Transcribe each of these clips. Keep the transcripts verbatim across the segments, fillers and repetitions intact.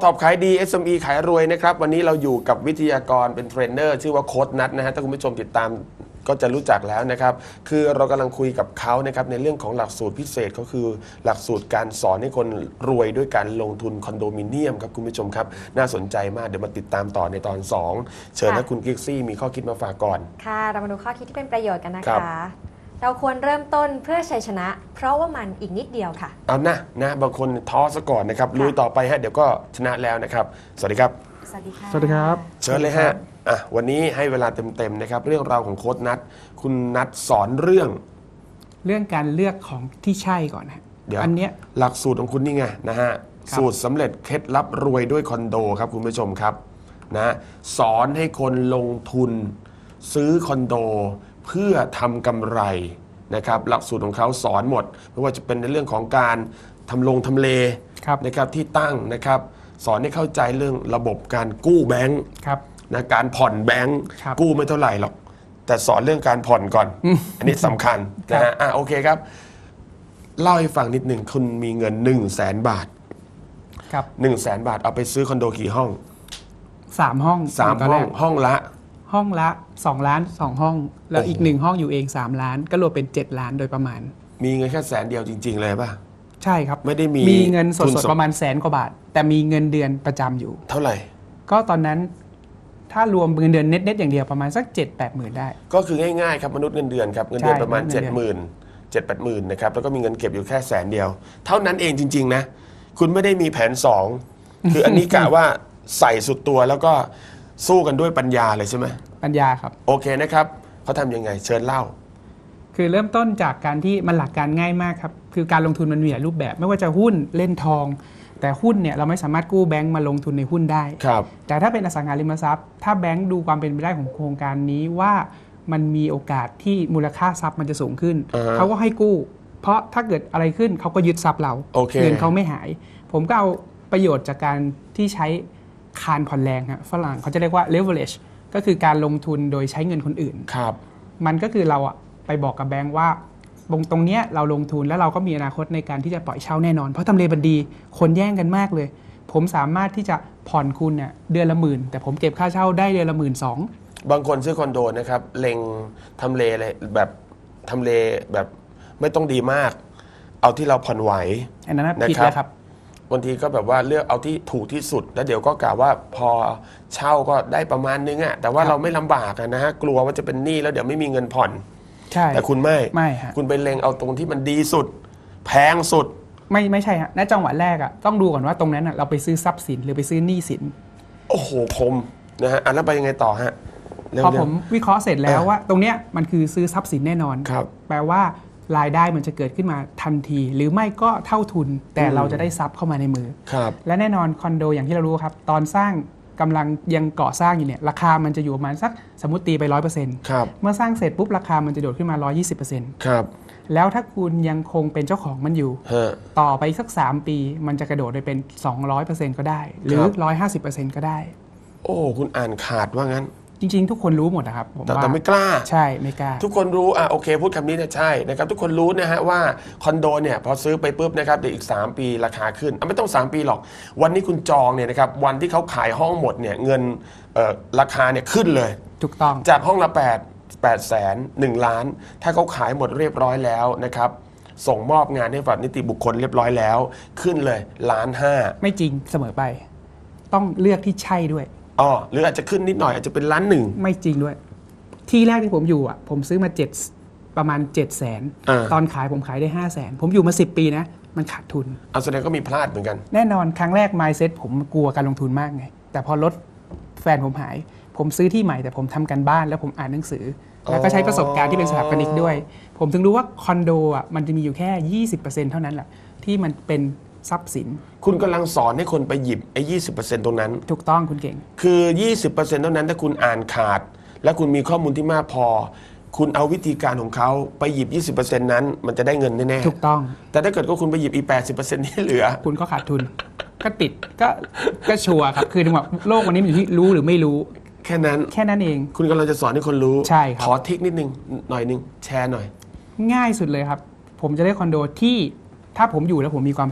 ท็อปขายดี เอส เอ็ม อี ขายรวยนะครับวันนี้เราอยู่กับวิทยากรเป็นเทรนเนอร์ชื่อว่าโค้ชนัทนะฮะถ้าคุณผู้ชมติดตามก็จะรู้จักแล้วนะครับคือเรากำลังคุยกับเขานะครับในเรื่องของหลักสูตรพิเศษก็คือหลักสูตรการสอนให้คนรวยด้วยการลงทุนคอนโดมิเนียมครับคุณผู้ชมครับน่าสนใจมากเดี๋ยวมาติดตามต่อในตอนสองเชิญนะคุณกิกซี่มีข้อคิดมาฝากก่อนค่ะเรามาดูข้อคิดที่เป็นประโยชน์กันนะคะเราควรเริ่มต้นเพื่อชัยชนะเพราะว่ามันอีกนิดเดียวค่ะเอานะนะบางคนท้อซะก่อนนะครับลุยต่อไปฮะเดี๋ยวก็ชนะแล้วนะครับสวัสดีครับสวัสดีค่ะสวัสดีครับเชิญเลยฮะอ่ะวันนี้ให้เวลาเต็มๆนะครับเรื่องราวของโค้ชนัทคุณนัทสอนเรื่องเรื่องการเลือกของที่ใช่ก่อนฮะเดี๋ยวอันเนี้ยหลักสูตรของคุณนี่ไงนะฮะสูตรสำเร็จเคล็ดลับรวยด้วยคอนโดครับคุณผู้ชมครับนะสอนให้คนลงทุนซื้อคอนโดเพื่อทำกำไรนะครับหลักสูตรของเขาสอนหมดไม่ว่าจะเป็นในเรื่องของการทำลงทำเลนะครับที่ตั้งนะครับสอนให้เข้าใจเรื่องระบบการกู้แบงค์นะการผ่อนแบงค์กู้ไม่เท่าไหร่หรอกแต่สอนเรื่องการผ่อนก่อน อันนี้สำคัญนะฮะอ่ะโอเคครับเล่าให้ฟังนิดหนึ่งคุณมีเงินหนึ่งแสนบาทครับหนึ่งแสนบาทเอาไปซื้อคอนโดกี่ห้องสามห้องสามห้องห้องละห้องละสองล้านสองห้องแล้วอีกหนึ่งห้องอยู่เองสามล้านก็รวมเป็นเจ็ดล้านโดยประมาณมีเงินแค่แสนเดียวจริงๆเลยป่ะใช่ครับไม่ได้มีมีเงินสดๆประมาณแสนกว่าบาทแต่มีเงินเดือนประจำอยู่เท่าไหร่ก็ตอนนั้นถ้ารวมเงินเดือนเน็ตๆอย่างเดียวประมาณสัก เจ็ดแปดหมื่นได้ก็คือง่ายๆครับมนุษย์เงินเดือนครับเงินเดือนประมาณ เจ็ดหมื่น เจ็ดแปดหมื่นนะครับแล้วก็มีเงินเก็บอยู่แค่แสนเดียวเท่านั้นเองจริงๆนะคุณไม่ได้มีแผนสองคืออันนี้กะว่าใส่สุดตัวแล้วก็สู้กันด้วยปัญญาเลยใช่ไหมปัญญาครับโอเคนะครับเขาทำยังไงเชิญเล่าคือเริ่มต้นจากการที่มันหลักการง่ายมากครับคือการลงทุนมันมีหลายรูปแบบไม่ว่าจะหุ้นเล่นทองแต่หุ้นเนี่ยเราไม่สามารถกู้แบงก์มาลงทุนในหุ้นได้ครับแต่ถ้าเป็นอสังหาริมทรัพย์ถ้าแบงก์ดูความเป็นไปได้ของโครงการนี้ว่ามันมีโอกาสที่มูลค่าทรัพย์มันจะสูงขึ้น uh-huh. เขาก็ให้กู้เพราะถ้าเกิดอะไรขึ้นเขาก็ยึดทรัพย์เรา okay. เงินเขาไม่หายผมก็เอาประโยชน์จากการที่ใช้คานผ่อนแรงครับฝรั่งเขาจะเรียกว่า leverage ก็คือการลงทุนโดยใช้เงินคนอื่นครับมันก็คือเราอะไปบอกกับแบงก์ว่าตรงตรงเนี้ยเราลงทุนแล้วเราก็มีอนาคตในการที่จะปล่อยเช่าแน่นอนเพราะทำเลมันดีคนแย่งกันมากเลยผมสามารถที่จะผ่อนคุณเนี่ยเดือนละหมื่นแต่ผมเก็บค่าเช่าได้เดือนละหมื่นสองบางคนซื้อคอนโดนะครับเล็งทำเลเลยแบบทำเลแบบไม่ต้องดีมากเอาที่เราผ่อนไหวอันนั้นผิดแล้วครับบางทีก็แบบว่าเลือกเอาที่ถูกที่สุดแล้วเดี๋ยวก็กล่าวว่าพอเช่าก็ได้ประมาณนึงอะแต่ว่าเราไม่ลำบากนะฮะกลัวว่าจะเป็นหนี้แล้วเดี๋ยวไม่มีเงินผ่อนใช่แต่คุณไม่ไม่ฮะคุณไปเล็งเอาตรงที่มันดีสุดแพงสุดไม่ไม่ใช่ฮะณจังหวะแรกอะต้องดูก่อนว่าตรงนั้นอะเราไปซื้อทรัพย์สินหรือไปซื้อหนี้สินโอ้โหคมนะฮะอ่ะแล้วไปยังไงต่อฮะพอผมวิเคราะห์เสร็จแล้วว่าตรงเนี้ยมันคือซื้อทรัพย์สินแน่นอนแปลว่ารายได้มันจะเกิดขึ้นมาทันทีหรือไม่ก็เท่าทุนแต่เราจะได้ทรัพย์เข้ามาในมือและแน่นอนคอนโดอย่างที่เรารู้ครับตอนสร้างกำลังยังก่อสร้างอยู่เนี่ยราคามันจะอยู่ประมาณสักสมมติตีไป ร้อยเปอร์เซ็นต์ เมื่อสร้างเสร็จปุ๊บราคามันจะโดดขึ้นมา ร้อยยี่สิบเปอร์เซ็นต์ครับแล้วถ้าคุณยังคงเป็นเจ้าของมันอยู่ต่อไปสักสามปีมันจะกระโดดไปเป็น สองร้อยเปอร์เซ็นต์ ก็ได้หรือ หนึ่งร้อยห้าสิบเปอร์เซ็นต์ ก็ได้โอ้คุณอ่านขาดว่างั้นจริงๆทุกคนรู้หมดนะครับผมว่าแต่ไม่กล้าใช่ไม่กล้าทุกคนรู้อ่ะโอเคพูดคำนี้เนี่ยใช่นะครับทุกคนรู้นะฮะว่าคอนโดเนี่ยพอซื้อไปปุ๊บนะครับเดี๋ยวอีกสามปีราคาขึ้นอ่ะไม่ต้องสามปีหรอกวันนี้คุณจองเนี่ยนะครับวันที่เขาขายห้องหมดเนี่ยเงินเอ่อราคาเนี่ยขึ้นเลยถูกต้องจากห้องละแปด แปดแสนหนึ่งล้านถ้าเขาขายหมดเรียบร้อยแล้วนะครับส่งมอบงานให้ฝ่ายนิติบุคคลเรียบร้อยแล้วขึ้นเลยล้านห้าไม่จริงเสมอไปต้องเลือกที่ใช่ด้วยอ๋อหรืออาจจะขึ้นนิดหน่อยอาจจะเป็นล้านหนึ่งไม่จริงด้วยที่แรกที่ผมอยู่อ่ะผมซื้อมาเจ็ดประมาณเจ็ดแสนตอนขายผมขายได้ห้าแสนผมอยู่มาสิบปีนะมันขาดทุนเอาแสดงก็มีพลาดเหมือนกันแน่นอนครั้งแรก mindset ผมกลัวการลงทุนมากไงแต่พอรถแฟนผมหายผมซื้อที่ใหม่แต่ผมทำกันบ้านแล้วผมอ่านหนังสือแล้วก็ใช้ประสบการณ์ที่เป็นสถาปนิกด้วยผมถึงรู้ว่าคอนโดอ่ะมันจะมีอยู่แค่ ยี่สิบเปอร์เซ็นต์ เท่านั้นแหละที่มันเป็นทรัพย์สินคุณกำลังสอนให้คนไปหยิบไอ้ยี่สิบเปอร์เซ็นต์ตรงนั้นถูกต้องคุณเก่งคือ ยี่สิบเปอร์เซ็นต์ เท่านั้นถ้าคุณอ่านขาดและคุณมีข้อมูลที่มากพอคุณเอาวิธีการของเขาไปหยิบ ยี่สิบเปอร์เซ็นต์ นั้นมันจะได้เงินแน่ๆถูกต้องแต่ถ้าเกิดว่าคุณไปหยิบอีก แปดสิบเปอร์เซ็นต์ ที่เหลือคุณก็ขาดทุนก็ติดก็ก็ชัวร์ครับคือถึงว่าโลกวันนี้มันอยู่ที่รู้หรือไม่รู้แค่นั้นแค่นั้นเองคุณกำลังจะสอนให้คนรู้ใช่ครับขอทิกนิดนึงหน่อยนึงแชร์หน่อยง่ายสุดเลยครับผมจะได้คอนโดที่ถ้าผมอยู่แล้วผมมีความสุข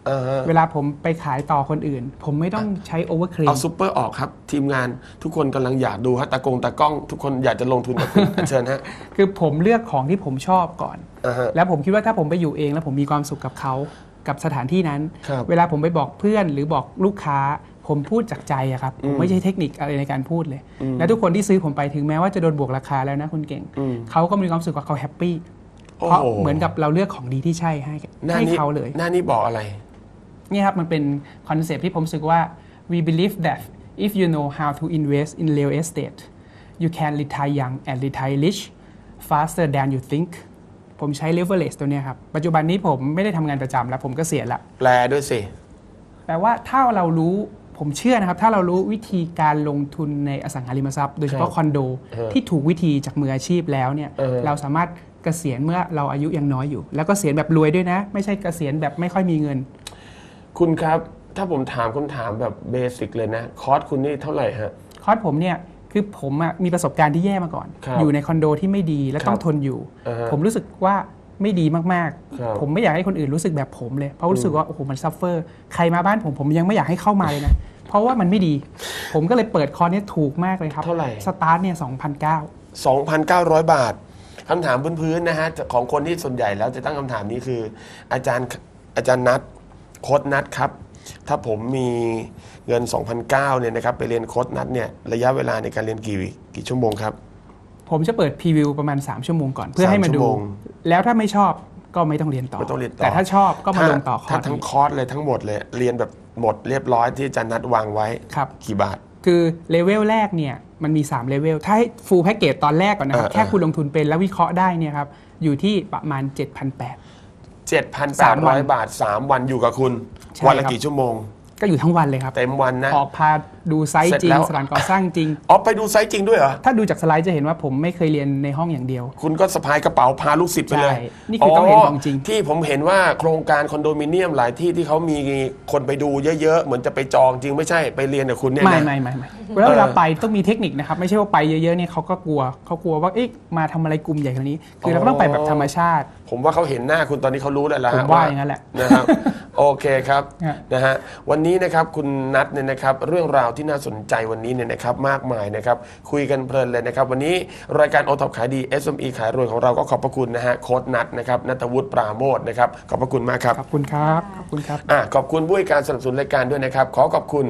เวลาผมไปขายต่อคนอื่น ผมไม่ต้องใช้โอเวอร์เคลมเอาซูเปอร์ออกครับทีมงานทุกคนกำลังอยากดูฮะตากงตากล้องทุกคนอยากจะลงทุนกับคุณ เชิญฮะคือผมเลือกของที่ผมชอบก่อน uh-huh. แล้วผมคิดว่าถ้าผมไปอยู่เองแล้วผมมีความสุขกับเขากับสถานที่นั้น เวลาผมไปบอกเพื่อนหรือบอกลูกค้าผมพูดจากใจอะครับผมไม่ใช่เทคนิคอะไรในการพูดเลยและทุกคนที่ซื้อผมไปถึงแม้ว่าจะโดนบวกราคาแล้วนะคุณเก่งเขาก็มีความสุขกับเขาแฮปปี้เพราะเหมือนกับเราเลือกของดีที่ใช่ให้ให้เขาเลยหน้านี้บอกอะไรนี่ครับมันเป็นคอนเซปต์ที่ผมรู้สึกว่า we believe that if you know how to invest in real estate you can retire young and retire rich faster than you think ผมใช้ leverage ตัวนี้ครับปัจจุบันนี้ผมไม่ได้ทำงานประจำแล้วผมก็เสียละแปลด้วยสิแปลว่าถ้าเรารู้ผมเชื่อนะครับถ้าเรารู้วิธีการลงทุนในอสังหาริมทรัพย์โดยเฉพาะคอนโดที่ถูกวิธีจากมืออาชีพแล้วเนี่ยเราสามารถเกษียณเมื่อเราอายุยังน้อยอยู่แล้วก็เกษียณแบบรวยด้วยนะไม่ใช่เกษียณแบบไม่ค่อยมีเงินคุณครับถ้าผมถามคำถามแบบเบสิกเลยนะคอร์สคุณนี่เท่าไหร่ฮะคอร์สผมเนี่ยคือผมมีประสบการณ์ที่แย่มาก่อนอยู่ในคอนโดที่ไม่ดีและต้องทนอยู่ผมรู้สึกว่าไม่ดีมากๆผมไม่อยากให้คนอื่นรู้สึกแบบผมเลยเพราะรู้สึกว่าโอ้โหมันซัฟเฟอร์ใครมาบ้านผมผมยังไม่อยากให้เข้ามาเลยนะเพราะว่ามันไม่ดีผมก็เลยเปิดคอร์สนี้ถูกมากเลยครับเท่าไหร่สตาร์ทเนี่ย สองพันเก้าร้อยสองพันเก้าร้อย บาทคำถามพื้นๆนะฮะของคนที่ส่วนใหญ่แล้วจะตั้งคำถามนี้คืออาจารย์อาจารย์นัทโค้ชนัทครับถ้าผมมีเงิน สองพันเก้าร้อย เนี่ยนะครับไปเรียนโค้ชนัทเนี่ยระยะเวลาในการเรียนกี่กี่ชั่วโมงครับผมจะเปิดพรีวิวประมาณสามชั่วโมงก่อนเพื่อให้มาดูแล้วถ้าไม่ชอบก็ไม่ต้องเรียนต่อแต่ถ้าชอบก็มาลงต่อคอร์สถ้าทั้งคอร์สเลยทั้งหมดเลยเรียนแบบหมดเรียบร้อยที่อาจารย์นัทวางไว้กี่บาทคือเลเวลแรกเนี่ยมันมีสามเลเวลถ้าให้ฟูลแพ็กเกจตอนแรกก่อนนะครับแค่คุณลงทุนเป็นแล้ววิเคราะห์ได้เนี่ยครับอยู่ที่ประมาณ เจ็ดพันแปดร้อยเจ็ดพันแปดร้อย บาทสามวันอยู่กับคุณวันละกี่ชั่วโมงก็อยู่ทั้งวันเลยครับเต็มวันนะออกพาดูไซต์จริงสถานก่อสร้างจริงอ๋อไปดูไซต์จริงด้วยเหรอถ้าดูจากสไลด์จะเห็นว่าผมไม่เคยเรียนในห้องอย่างเดียวคุณก็สะพายกระเป๋าพาลูกศิษย์ไปเลยนี่คือต้องเห็นของจริงที่ผมเห็นว่าโครงการคอนโดมิเนียมหลายที่ที่เขามีคนไปดูเยอะๆเหมือนจะไปจองจริงไม่ใช่ไปเรียนกับคุณเนี่ยไม่ไม่ไม่ไม่เวลาไปต้องมีเทคนิคนะครับไม่ใช่ว่าไปเยอะๆเนี่ยเขาก็กลัวเขากลัวว่าเอ๊ะมาทำอะไรกลุ่มใหญ่ขนาดนี้คือเราก็ต้องไปแบบธรรมชาติผมว่าเขาเห็นหน้าคุณตอนนี้เขารู้แล้วละผมว่าอย่างนั้นแหละนะครับโอเคครับนะฮะวันนี้นะครับคุณนัทเนี่ยนะครับเรื่องราวที่น่าสนใจวันนี้เนี่ยนะครับมากมายนะครับคุยกันเพลินเลยนะครับวันนี้รายการโอท็อปขายดี เอส เอ็ม อี ขายรวยของเราก็ขอบพระคุณนะฮะโค้ชนัทนะครับณัฐวุฒิปราโมชนะครับขอบพระคุณมากครับขอบคุณครับขอบคุณครับอ่ะขอบคุณผู้ให้การสนับสนุนรายการด้วยนะครับขอขอบคุณ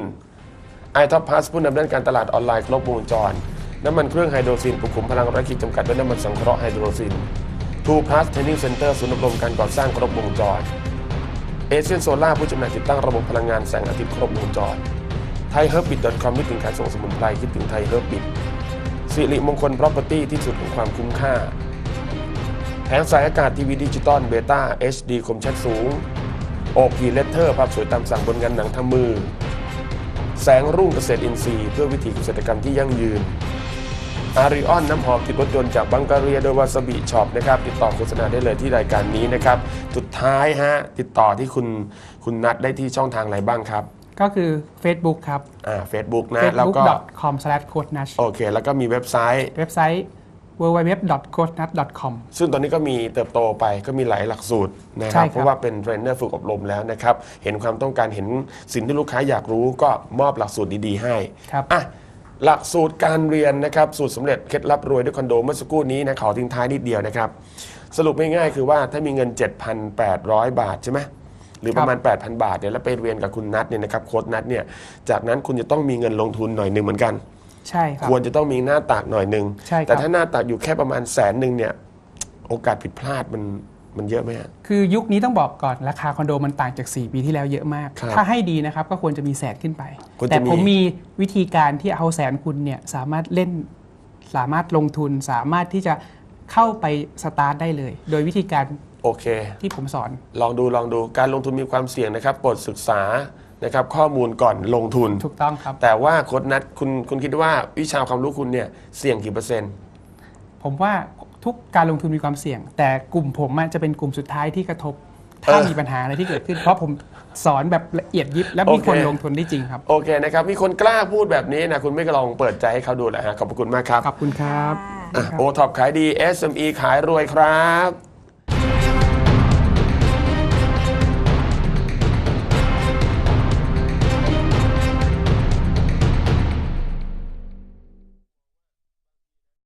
i ท็อป Plus ผู้นำด้านการตลาดออนไลน์ครบวงจรน้ำมันเครื่องไฮโดรซินปลุกขุมพลังรักขีดจำกัดด้วยน้ำมันสังเคราะห์ไฮโดรซินทูพลัสเทรนนิ่งเซ็นเตอร์ศูนย์อบรมการก่อสร้างครบวงจรเอเชียนโซล่าผู้จำหน่ายติดตั้งระบบพลังงานแสงอาทิตย์ครบวงจรไทยเฮิร์บบิท .com คิดถึงขายส่งสมุนไพรคิดถึงไทยเฮิร์บบิทสิริมงคล Property ที่สุดของความคุ้มค่าแผงสายอากาศทีวีดิจิตอลเบต้า เอช ดี คมชัดสูง โอ พี Letter ภาพสวยตามสั่งบนงานหนังทำมือแสงรุ่งเกษตรอินทรีย์เพื่อวิถีเกษตรกรรมที่ยั่งยืนอาริออนน้ำหอมติดรถยนต์จากบังการีโดยวาซาบิช็อปนะครับติดต่อโฆษณาได้เลยที่รายการนี้นะครับสุดท้ายฮะติดต่อที่คุณคุณนัทได้ที่ช่องทางไหนบ้างครับก็คือ Facebook ครับอ่า Facebook นะแล้วก็เฟซบุ๊ก ดอท คอม สแลช โค้ชนัทโอเคแล้วก็มีเว็บไซต์เว็บไซต์ ดับเบิลยู ดับเบิลยู ดับเบิลยู ดอท โค้ชนัท ดอท คอมซึ่งตอนนี้ก็มีเติบโตไปก็มีหลายหลักสูตรนะครับเพราะว่าเป็นเทรนเนอร์ฝึกอบรมแล้วนะครับเห็นความต้องการเห็นสิ่งที่ลูกค้าอยากรู้ก็มอบหลักสูตรดีๆให้ครับอ่ะหลักสูตรการเรียนนะครับสูตรสำเร็จเคล็ดลับรวยด้วยคอนโดเมื่อสักครู่นี้นะขอทิ้งท้ายนิดเดียวนะครับสรุปง่ายๆคือว่าถ้ามีเงิน เจ็ดพันแปดร้อย บาทใช่ไหมหรือประมาณ แปดพัน บาทเนี่ยแล้วไปเรียนกับคุณนัทเนี่ยนะครับโค้ชนัทเนี่ยจากนั้นคุณจะต้องมีเงินลงทุนหน่อยนึงเหมือนกันใช่ครับควรจะต้องมีหน้าตากหน่อยนึงแต่ถ้าหน้าตากอยู่แค่ประมาณแสนนึงเนี่ยโอกาสผิดพลาดมันมันเยอะไหมคือยุคนี้ต้องบอกก่อนราคาคอนโดมันต่างจากสี่ปีที่แล้วเยอะมากถ้าให้ดีนะครับก็ควรจะมีแสนขึ้นไปแต่ผมมีวิธีการที่เอาแสนคุณเนี่ยสามารถเล่นสามารถลงทุนสามารถที่จะเข้าไปสตาร์ทได้เลยโดยวิธีการโอเคที่ผมสอนลองดูลองดูการลงทุนมีความเสี่ยงนะครับโปรดศึกษานะครับข้อมูลก่อนลงทุนถูกต้องครับแต่ว่าโค้ชนัทคุณคุณคิดว่าวิชาความรู้คุณเนี่ยเสี่ยงกี่เปอร์เซ็นต์ผมว่าทุกการลงทุนมีความเสี่ยงแต่กลุ่มผมจะเป็นกลุ่มสุดท้ายที่กระทบถ้ามีปัญหาอะไรที่เกิดขึ้นเพราะผมสอนแบบละเอียดยิบและมีคนลงทุนได้จริงครับโอเคนะครับมีคนกล้าพูดแบบนี้นะคุณไม่ลองเปิดใจให้เขาดูแหละฮะขอบคุณมากครับขอบคุณครับโอท็อปขายดี เอส เอ็ม อี ขายรวยครับ